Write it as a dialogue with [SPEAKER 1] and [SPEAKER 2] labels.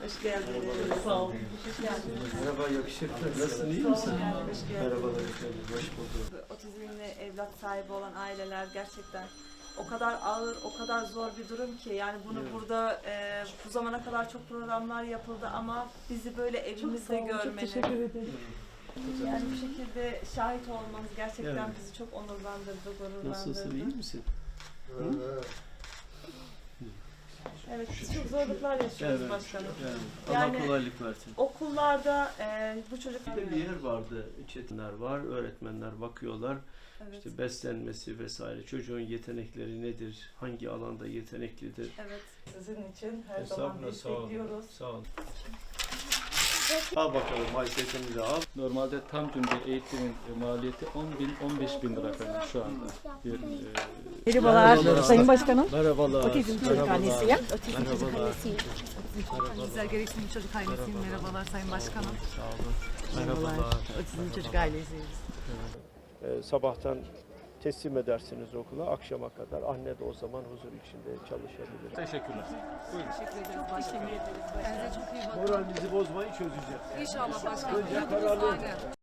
[SPEAKER 1] Hoş geldiniz. Sağ olun. Hoş geldiniz.
[SPEAKER 2] Merhaba, yakışıklı. Nasılsın, iyi misin?
[SPEAKER 1] Hoş geldiniz.
[SPEAKER 2] Merhabalar efendim, hoş bulduk.
[SPEAKER 1] Otizmli evlat sahibi olan aileler gerçekten o kadar ağır, o kadar zor bir durum ki yani bunu burada bu zamana kadar çok programlar yapıldı ama bizi böyle evimizde görmeniz,
[SPEAKER 3] Çok teşekkür ederim.
[SPEAKER 1] yani bu şekilde şahit olmanız gerçekten
[SPEAKER 2] Evet.
[SPEAKER 1] bizi çok onurlandırdı, gururlandırdı.
[SPEAKER 2] Nasılsın, iyi misin?
[SPEAKER 1] Evet, biz çok zorluklar yaşıyoruz başkanım.
[SPEAKER 2] Allah
[SPEAKER 1] Yani-
[SPEAKER 2] kolaylık versin.
[SPEAKER 1] Okullarda bu çocuklar...
[SPEAKER 2] Bir de bir yer vardı, çetinler var, öğretmenler bakıyorlar.
[SPEAKER 1] Evet,
[SPEAKER 2] İşte beslenmesi vesaire, çocuğun yetenekleri nedir, hangi alanda yeteneklidir?
[SPEAKER 1] evet.
[SPEAKER 3] Sizin için her zaman
[SPEAKER 2] Estağfurullah, sağ olun.
[SPEAKER 3] destekliyoruz.
[SPEAKER 2] Sağ olun. Al bakalım, haysetimizi al.
[SPEAKER 4] Normalde tam gün bir eğitimin maliyeti 10.000-15.000 lira efendim şu anda.
[SPEAKER 3] Merhabalar Sayın Başkanım.
[SPEAKER 2] Merhabalar.
[SPEAKER 3] Otizm Çocuk Annesiyim.
[SPEAKER 2] Merhabalar.
[SPEAKER 5] Güzel gereksinim çocuk ailesiyim. Merhabalar Sayın Başkanım.
[SPEAKER 2] Sağ olun. Merhabalar.
[SPEAKER 5] Otizm çocuk ailesiyiz.
[SPEAKER 2] Sabahtan teslim edersiniz okula, akşama kadar. Anne de o zaman huzur içinde çalışabilir.
[SPEAKER 4] Teşekkürler.
[SPEAKER 5] Teşekkür ederiz başkanım. Kendinize çok iyi bakın.
[SPEAKER 2] Moralinizi bozmayı çözeceğiz.
[SPEAKER 5] İnşallah başkanım.